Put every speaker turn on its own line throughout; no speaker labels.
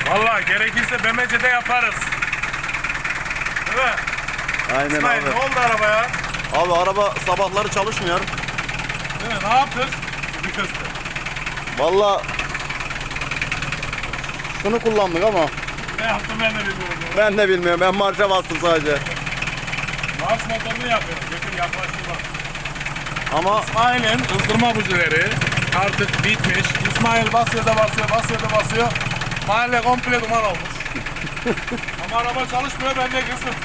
Vallahi gerekirse BMC'de yaparız. Değil mi?
Aynen
İsmail,
abi.
ne oldu arabaya?
Abi araba sabahları çalışmıyor.
Değil mi? Ne yaptın? Bir köste.
Vallahi şunu kullandık ama
Ne yaptım ben de bilmiyorum.
ben de bilmiyorum. Ben marşa bastım sadece.
Marş motorunu yapıyorum. Götür yaklaştırma.
Ama
İsmail'in ızdırma bujileri artık bitmiş. İsmail basıyor da basıyor, basıyor da basıyor. Mahalle komple duman olmuş. Ama araba çalışmıyor, ben de kızdım.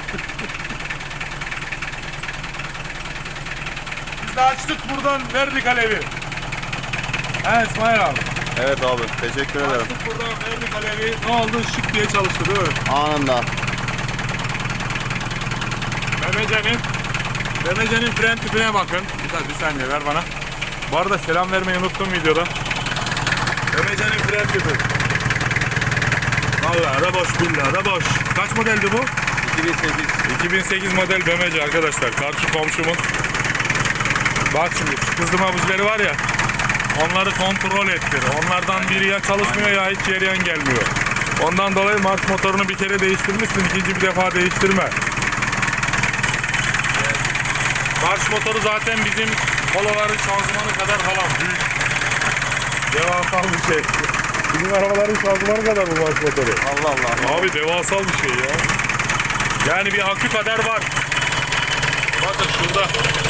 Biz de açtık buradan, verdik alevi. He İsmail abi.
evet abi, teşekkür ederim.
Açtık buradan, verdik alevi. Ne oldu? Şık diye çalıştı değil mi?
Anında.
BMC'nin fren tüpüne bakın. Bir saniye ver bana. Bu arada selam vermeyi unuttum videoda. BMC'nin fren tüpü. Vallahi da boş, billahi da boş. Kaç modeldi bu?
2008.
2008 model BMC arkadaşlar. Karşı komşumun. Bak şimdi şu kızdırma bujileri var ya. Onları kontrol ettir. Onlardan biri ya çalışmıyor ya hiç yeriyen gelmiyor. Ondan dolayı marş motorunu bir kere değiştirmişsin. İkinci bir defa değiştirme. Marş motoru zaten bizim poloların şanzımanı kadar falan büyük. Devasal bir şey. Bizim arabaların şanzımanı kadar bu marş motoru.
Allah Allah.
Abi devasal bir şey ya. Yani bir akü kadar var. Bakın şurada.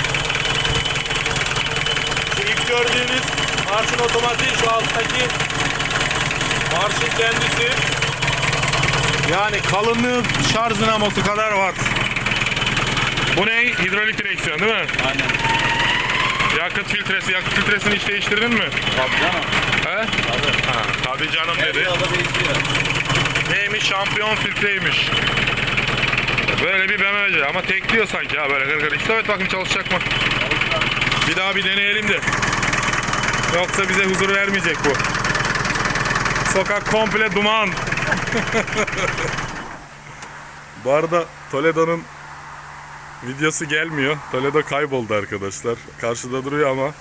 Şu ilk gördüğünüz marşın otomatiği, şu alttaki marşın kendisi. Yani kalınlığı şarj dinamosu kadar var. Bu ne? Hidrolik direksiyon değil mi?
Aynen.
Yakıt filtresi. Yakıt filtresini hiç değiştirdin mi?
Tabii canım.
He?
Tabii.
Ha, tabii canım dedi.
Biraz da değişiyor.
Neymiş? Şampiyon filtreymiş. Böyle bir BMW ama tekliyor sanki ha böyle gır gır. İsmet bakın çalışacak mı? Bir daha bir deneyelim de. Yoksa bize huzur vermeyecek bu. Sokak komple duman. Bu arada Toledo'nun videosu gelmiyor. Toledo kayboldu arkadaşlar. Karşıda duruyor ama.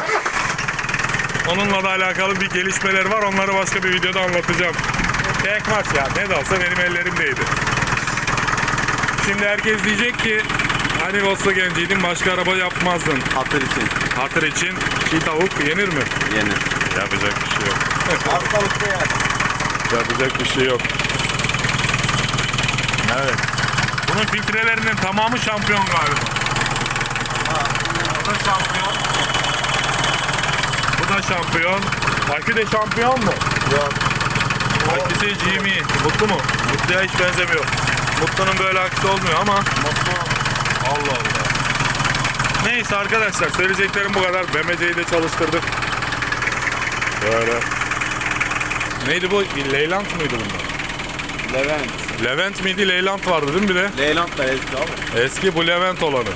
Onunla da alakalı bir gelişmeler var. Onları başka bir videoda anlatacağım. Tek maç ya. Ne de olsa benim ellerimdeydi. Şimdi herkes diyecek ki hani Volkswagen'ciydin başka araba yapmazdın.
Hatır için.
Hatır için çiğ tavuk yenir mi?
Yeni.
Yapacak bir şey yok.
Hastalıkta yani.
Yapacak bir şey yok. Evet. Bunun filtrelerinin tamamı şampiyon galiba. O da şampiyon. Bu da şampiyon. Akü de şampiyon mu?
Yok.
Aküsü GME. Mutlu mu? Mutlu'ya hiç benzemiyor. Mutlu'nun böyle aküsü olmuyor ama. Allah Allah. Neyse arkadaşlar söyleyeceklerim bu kadar. BMC'yi de çalıştırdık. Böyle. Neydi bu? Leyland mıydı bunlar?
Levent.
Levent miydi? Leyland vardı değil mi bir de?
Leyland da eski abi.
Eski bu Levent olanı.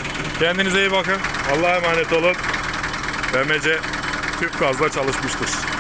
Kendinize iyi bakın. Allah'a emanet olun. BMC tüp gazla çalışmıştır.